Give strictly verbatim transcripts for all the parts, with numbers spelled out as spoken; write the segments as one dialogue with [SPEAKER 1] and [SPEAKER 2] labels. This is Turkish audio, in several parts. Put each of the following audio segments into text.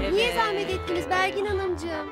[SPEAKER 1] Niye zahmet ettiniz Belgin Hanımcığım?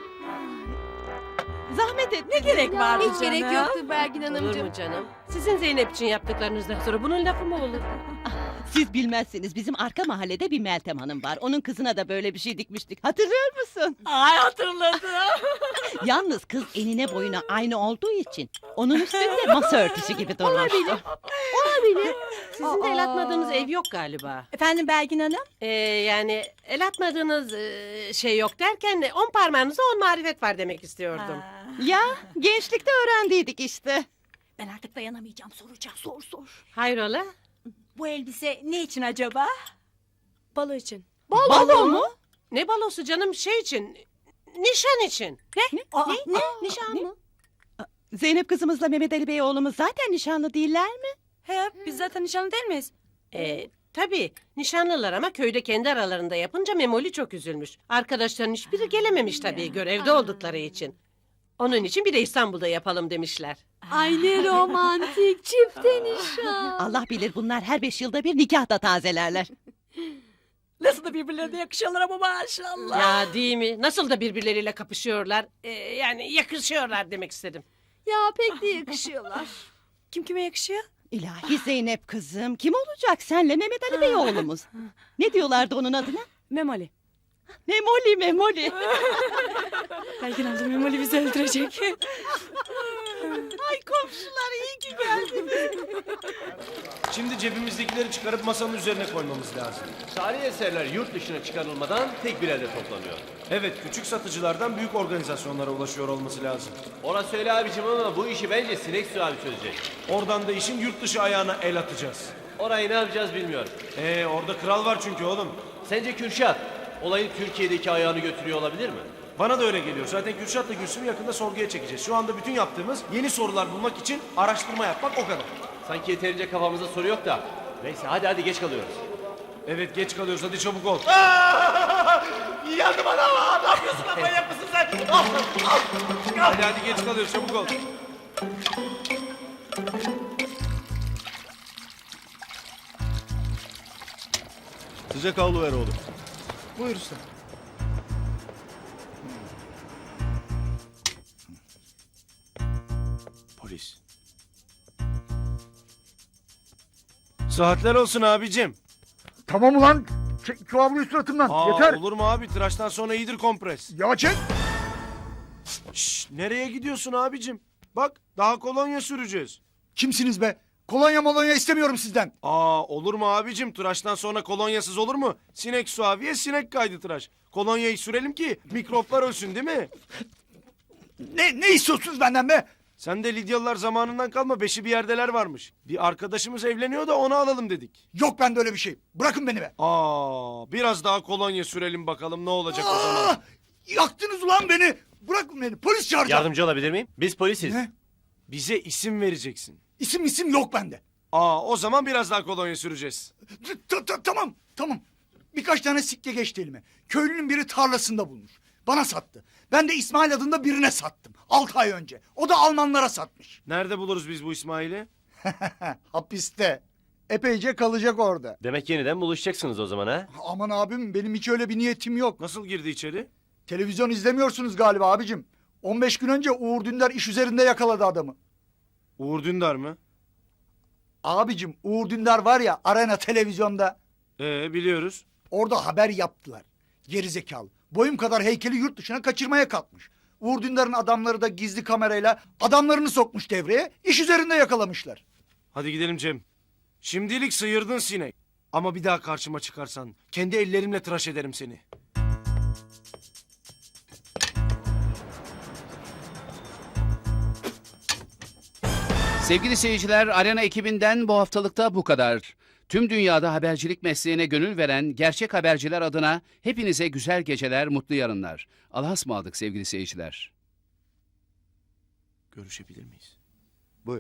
[SPEAKER 2] Zahmet et, ne gerek vardı
[SPEAKER 1] Hiç
[SPEAKER 2] canım?
[SPEAKER 1] gerek yoktu Belgin
[SPEAKER 3] Olur
[SPEAKER 1] Hanımcığım.
[SPEAKER 3] mu canım? Sizin Zeynep için yaptıklarınızdan sonra bunun lafı mı olur?
[SPEAKER 4] Siz bilmezsiniz, bizim arka mahallede bir Meltem Hanım var. Onun kızına da böyle bir şey dikmiştik. Hatırlıyor musun?
[SPEAKER 2] Ay hatırladım.
[SPEAKER 4] Yalnız kız enine boyuna aynı olduğu için onun üstünde masa örtüsü gibi durmuştu.
[SPEAKER 1] Olabilir.
[SPEAKER 3] Sizin de el
[SPEAKER 2] Aa.
[SPEAKER 3] atmadığınız ev yok galiba.
[SPEAKER 2] Efendim Belgin Hanım?
[SPEAKER 3] Ee, yani el atmadığınız e, şey yok derken on parmağınızda on marifet var demek istiyordum.
[SPEAKER 4] Ya gençlikte öğrendiydik işte.
[SPEAKER 2] Ben artık dayanamayacağım, soracağım, sor sor.
[SPEAKER 3] Hayrola?
[SPEAKER 2] Bu elbise ne için acaba?
[SPEAKER 1] Balo için.
[SPEAKER 4] Balo mu?
[SPEAKER 3] Ne balosu canım şey için? Nişan için.
[SPEAKER 2] Ne? Aa, ne?
[SPEAKER 1] Nişan mı?
[SPEAKER 4] Zeynep kızımızla Mehmet Ali Bey oğlumuz zaten nişanlı değiller mi?
[SPEAKER 2] He, biz zaten nişanlı değil miyiz?
[SPEAKER 3] Ee, tabii nişanlılar ama köyde kendi aralarında yapınca Memoli çok üzülmüş. Arkadaşların hiçbiri gelememiş tabii görevde oldukları için. Onun için bir de İstanbul'da yapalım demişler.
[SPEAKER 1] Ay ne romantik çifte nişan.
[SPEAKER 4] Allah bilir bunlar her beş yılda bir nikah da tazelerler.
[SPEAKER 2] Nasıl da birbirlerine yakışıyorlar ama maşallah.
[SPEAKER 3] Ya değil mi? Nasıl da birbirleriyle kapışıyorlar. Ee, yani yakışıyorlar demek istedim.
[SPEAKER 1] Ya pek de yakışıyorlar.
[SPEAKER 2] Kim kime yakışıyor?
[SPEAKER 4] İlahi Zeynep kızım, kim olacak senle Mehmet Ali Bey oğlumuz? Ne diyorlardı onun adına?
[SPEAKER 2] Memoli.
[SPEAKER 4] Memoli, Memoli.
[SPEAKER 2] Belgin Hanım Memoli bizi öldürecek.
[SPEAKER 4] Ay komşular iyi ki geldiniz.
[SPEAKER 5] Şimdi cebimizdekileri çıkarıp masanın üzerine koymamız lazım.
[SPEAKER 6] Tarihi eserler yurt dışına çıkarılmadan tek bir elde toplanıyor.
[SPEAKER 5] Evet, küçük satıcılardan büyük organizasyonlara ulaşıyor olması lazım.
[SPEAKER 6] Orası öyle abicim ama bu işi bence Sinek Su abi çözecek.
[SPEAKER 5] Oradan da işin yurt dışı ayağına el atacağız.
[SPEAKER 6] Orayı ne yapacağız bilmiyorum.
[SPEAKER 5] Ee, orada kral var çünkü oğlum.
[SPEAKER 6] Sence Kürşat olayın Türkiye'deki ayağını götürüyor olabilir mi?
[SPEAKER 5] Bana da öyle geliyor. Zaten Kürşat'la Gülsüm'ü yakında sorguya çekeceğiz. Şu anda bütün yaptığımız yeni sorular bulmak için araştırma yapmak o kadar.
[SPEAKER 6] Sanki yeterince kafamızda soru yok da. Neyse hadi hadi geç kalıyoruz.
[SPEAKER 5] Evet, geç kalıyoruz. Hadi çabuk ol.
[SPEAKER 6] Yandım adam. Ne yapıyorsun lan manyak mısın sen?
[SPEAKER 5] Hadi hadi geç kalıyoruz. Çabuk ol.
[SPEAKER 7] Sıcak havlu ver oğlum.
[SPEAKER 5] Buyur usta.
[SPEAKER 7] Polis.
[SPEAKER 5] Saatler olsun abicim.
[SPEAKER 8] Tamam ulan. Çek şu havluyu suratımdan.
[SPEAKER 5] Aa,
[SPEAKER 8] Yeter.
[SPEAKER 5] olur mu abi? Tıraştan sonra iyidir kompres.
[SPEAKER 8] Ya çek.
[SPEAKER 5] Şşş, nereye gidiyorsun abicim? Bak, daha kolonya süreceğiz.
[SPEAKER 8] Kimsiniz be? Kolonya molonya istemiyorum sizden.
[SPEAKER 5] Aa, olur mu abicim? Tıraştan sonra kolonyasız olur mu? Sinek suaviye, sinek kaydı tıraş. Kolonyayı sürelim ki mikroplar ölsün değil mi?
[SPEAKER 8] Ne ne istiyorsunuz benden be?
[SPEAKER 5] Sen de Lidyalılar zamanından kalma beşi bir yerdeler varmış. Bir arkadaşımız evleniyor da onu alalım dedik.
[SPEAKER 8] Yok bende öyle bir şey. Bırakın beni be.
[SPEAKER 5] Aa, biraz daha kolonya sürelim bakalım ne olacak o zaman.
[SPEAKER 8] Aa, yaktınız ulan beni. Bırakın beni. Polis çağıracağım.
[SPEAKER 6] Yardımcı olabilir miyim? Biz polisiz.
[SPEAKER 8] Ne?
[SPEAKER 5] Bize isim vereceksin.
[SPEAKER 8] İsim isim yok bende.
[SPEAKER 5] Aa, o zaman biraz daha kolonya süreceğiz.
[SPEAKER 8] T- t- Tamam tamam. Birkaç tane sikke geçti elime. Köylünün biri tarlasında bulmuş. Bana sattı. Ben de İsmail adında birine sattım. Altı ay önce. O da Almanlara satmış.
[SPEAKER 5] Nerede buluruz biz bu İsmail'i?
[SPEAKER 8] Hapiste. Epeyce kalacak orada.
[SPEAKER 6] Demek yeniden buluşacaksınız o zaman ha?
[SPEAKER 8] Aman abim benim hiç öyle bir niyetim yok.
[SPEAKER 5] Nasıl girdi içeri?
[SPEAKER 8] Televizyon izlemiyorsunuz galiba abicim. on beş gün önce Uğur Dündar iş üzerinde yakaladı adamı.
[SPEAKER 5] Uğur Dündar mı?
[SPEAKER 8] Abicim Uğur Dündar var ya Arena televizyonda.
[SPEAKER 5] Ee, biliyoruz.
[SPEAKER 8] Orada haber yaptılar. Gerizekalı. Boyum kadar heykeli yurt dışına kaçırmaya kalkmış. Uğur Dündar'ın adamları da gizli kamerayla adamlarını sokmuş devreye. İş üzerinde yakalamışlar.
[SPEAKER 5] Hadi gidelim Cem. Şimdilik sıyırdın sinek. Ama bir daha karşıma çıkarsan kendi ellerimle tıraş ederim seni.
[SPEAKER 9] Sevgili seyirciler, Arena ekibinden bu haftalıkta bu kadar. Tüm dünyada habercilik mesleğine gönül veren gerçek haberciler adına hepinize güzel geceler, mutlu yarınlar. Allah'a ısmarladık sevgili seyirciler.
[SPEAKER 5] Görüşebilir miyiz?
[SPEAKER 8] Buyur.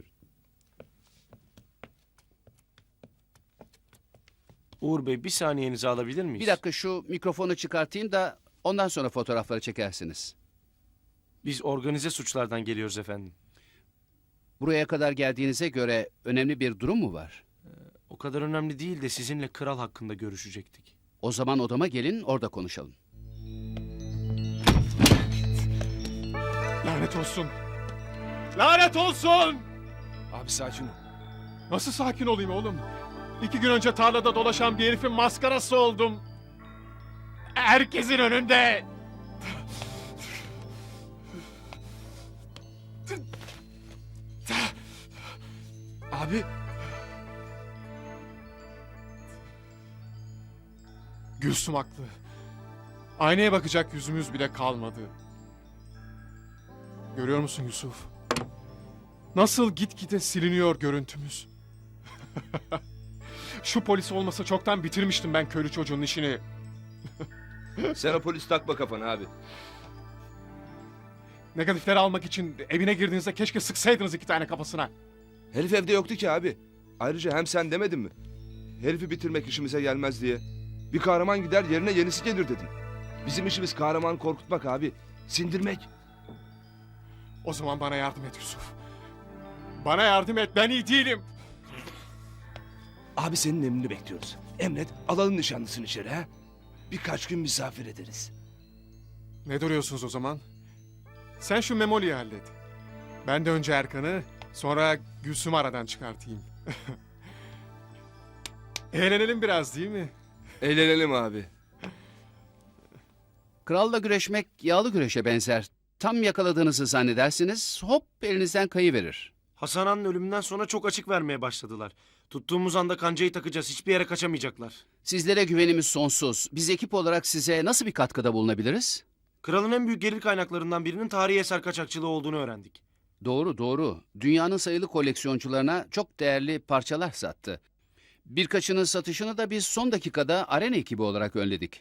[SPEAKER 5] Uğur Bey bir saniyenizi alabilir miyiz?
[SPEAKER 9] Bir dakika şu mikrofonu çıkartayım da ondan sonra fotoğrafları çekersiniz.
[SPEAKER 5] Biz organize suçlardan geliyoruz efendim.
[SPEAKER 9] Buraya kadar geldiğinize göre önemli bir durum mu var?
[SPEAKER 5] O kadar önemli değil de sizinle kral hakkında görüşecektik.
[SPEAKER 9] O zaman odama gelin, orada konuşalım.
[SPEAKER 10] Lanet olsun. Lanet olsun!
[SPEAKER 7] Abi sakin ol.
[SPEAKER 10] Nasıl sakin olayım oğlum? İki gün önce tarlada dolaşan bir herifin maskarası oldum. Herkesin önünde.
[SPEAKER 7] Abi
[SPEAKER 10] Gülsüm haklı. Aynaya bakacak yüzümüz bile kalmadı. Görüyor musun Yusuf? Nasıl gitgide siliniyor görüntümüz. Şu polis olmasa çoktan bitirmiştim ben köylü çocuğun işini.
[SPEAKER 7] sen o polis takma kafana abi.
[SPEAKER 10] Negatifleri almak için evine girdiğinizde keşke sıksaydınız iki tane kafasına.
[SPEAKER 7] Herif evde yoktu ki abi. Ayrıca hem sen demedin mi? Herifi bitirmek işimize gelmez diye. Bir kahraman gider yerine yenisi gelir dedin. Bizim işimiz kahraman korkutmak abi. Sindirmek.
[SPEAKER 10] O zaman bana yardım et Yusuf. Bana yardım et, ben iyi değilim.
[SPEAKER 7] Abi senin emrini bekliyoruz. Emret alalım nişanlısını içeri ha. Birkaç gün misafir ederiz.
[SPEAKER 10] Ne duruyorsunuz o zaman? Sen şu Memoli'yi hallet. Ben de önce Erkan'ı, sonra Gülsüm'ü aradan çıkartayım. Eğlenelim biraz değil mi?
[SPEAKER 7] Eğlenelim abi.
[SPEAKER 9] Kralla güreşmek yağlı güreşe benzer. Tam yakaladığınızı zannedersiniz, hop elinizden kayıverir.
[SPEAKER 5] Hasan Ağa'nın ölümünden sonra çok açık vermeye başladılar. Tuttuğumuz anda kancayı takacağız. Hiçbir yere kaçamayacaklar.
[SPEAKER 9] Sizlere güvenimiz sonsuz. Biz ekip olarak size nasıl bir katkıda bulunabiliriz?
[SPEAKER 5] Kralın en büyük gelir kaynaklarından birinin tarihi eser kaçakçılığı olduğunu öğrendik.
[SPEAKER 9] Doğru doğru. Dünyanın sayılı koleksiyoncularına çok değerli parçalar sattı. Birkaçının satışını da biz son dakikada Arena ekibi olarak önledik.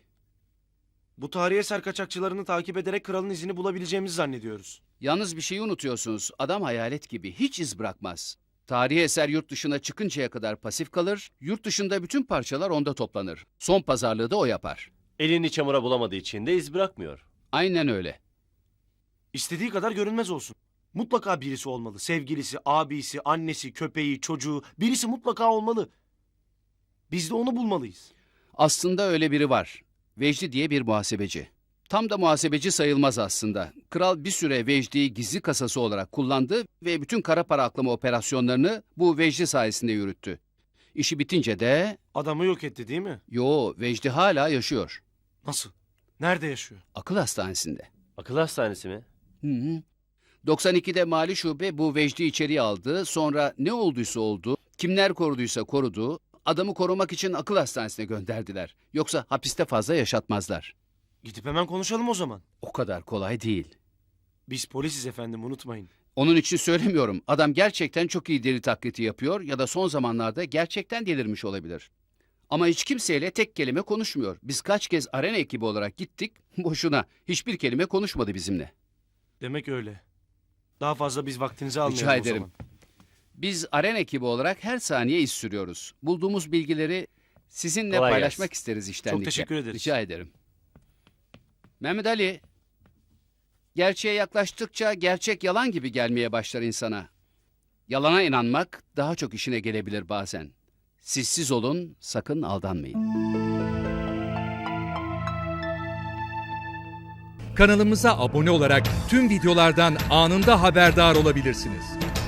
[SPEAKER 5] Bu tarihi eser kaçakçılarını takip ederek kralın izini bulabileceğimizi zannediyoruz.
[SPEAKER 9] Yalnız bir şeyi unutuyorsunuz. Adam hayalet gibi hiç iz bırakmaz. Tarihi eser yurt dışına çıkıncaya kadar pasif kalır, yurt dışında bütün parçalar onda toplanır. Son pazarlığı da o yapar.
[SPEAKER 6] Elini çamura bulamadığı için de iz bırakmıyor.
[SPEAKER 9] Aynen öyle.
[SPEAKER 5] İstediği kadar görünmez olsun. Mutlaka birisi olmalı. Sevgilisi, abisi, annesi, köpeği, çocuğu. Birisi mutlaka olmalı. Biz de onu bulmalıyız.
[SPEAKER 9] Aslında öyle biri var. Vecdi diye bir muhasebeci. Tam da muhasebeci sayılmaz aslında. Kral bir süre Vecdi'yi gizli kasası olarak kullandı ve bütün kara para aklama operasyonlarını bu Vecdi sayesinde yürüttü. İşi bitince de...
[SPEAKER 5] Adamı yok etti değil mi?
[SPEAKER 9] Yo, Vecdi hala yaşıyor.
[SPEAKER 5] Nasıl? Nerede yaşıyor?
[SPEAKER 9] Akıl hastanesinde.
[SPEAKER 6] Akıl hastanesi mi?
[SPEAKER 9] Hı hı. doksan ikide Mali Şube bu Vecdi içeriye aldı. Sonra ne olduysa oldu, kimler koruduysa korudu. Adamı korumak için akıl hastanesine gönderdiler. Yoksa hapiste fazla yaşatmazlar.
[SPEAKER 5] Gidip hemen konuşalım o zaman.
[SPEAKER 9] O kadar kolay değil.
[SPEAKER 5] Biz polisiz efendim, unutmayın.
[SPEAKER 9] Onun için söylemiyorum. Adam gerçekten çok iyi deli taklidi yapıyor ya da son zamanlarda gerçekten delirmiş olabilir. Ama hiç kimseyle tek kelime konuşmuyor. Biz kaç kez Arena ekibi olarak gittik, boşuna. Hiçbir kelime konuşmadı bizimle.
[SPEAKER 5] Demek öyle. Daha fazla biz vaktinizi almayalım
[SPEAKER 9] Rica
[SPEAKER 5] o
[SPEAKER 9] ederim.
[SPEAKER 5] zaman.
[SPEAKER 9] Biz Arena ekibi olarak her saniye iz sürüyoruz. Bulduğumuz bilgileri sizinle
[SPEAKER 6] Kolay
[SPEAKER 9] paylaşmak
[SPEAKER 6] gelsin.
[SPEAKER 9] isteriz içtenlikle.
[SPEAKER 5] Çok teşekkür ederiz.
[SPEAKER 9] Rica ederim. Mehmet Ali, gerçeğe yaklaştıkça gerçek yalan gibi gelmeye başlar insana. Yalana inanmak daha çok işine gelebilir bazen. Sizsiz olun, sakın aldanmayın.
[SPEAKER 11] Kanalımıza abone olarak tüm videolardan anında haberdar olabilirsiniz.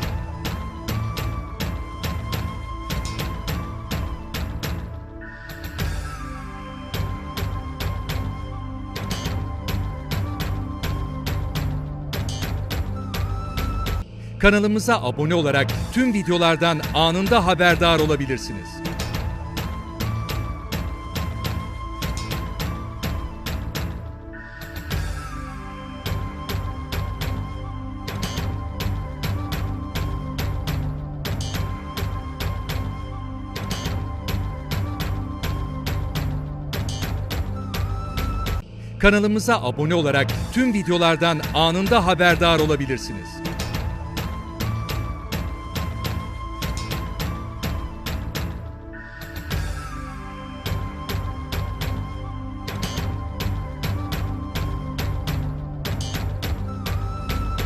[SPEAKER 11] Kanalımıza abone olarak tüm videolardan anında haberdar olabilirsiniz. Kanalımıza abone olarak tüm videolardan anında haberdar olabilirsiniz.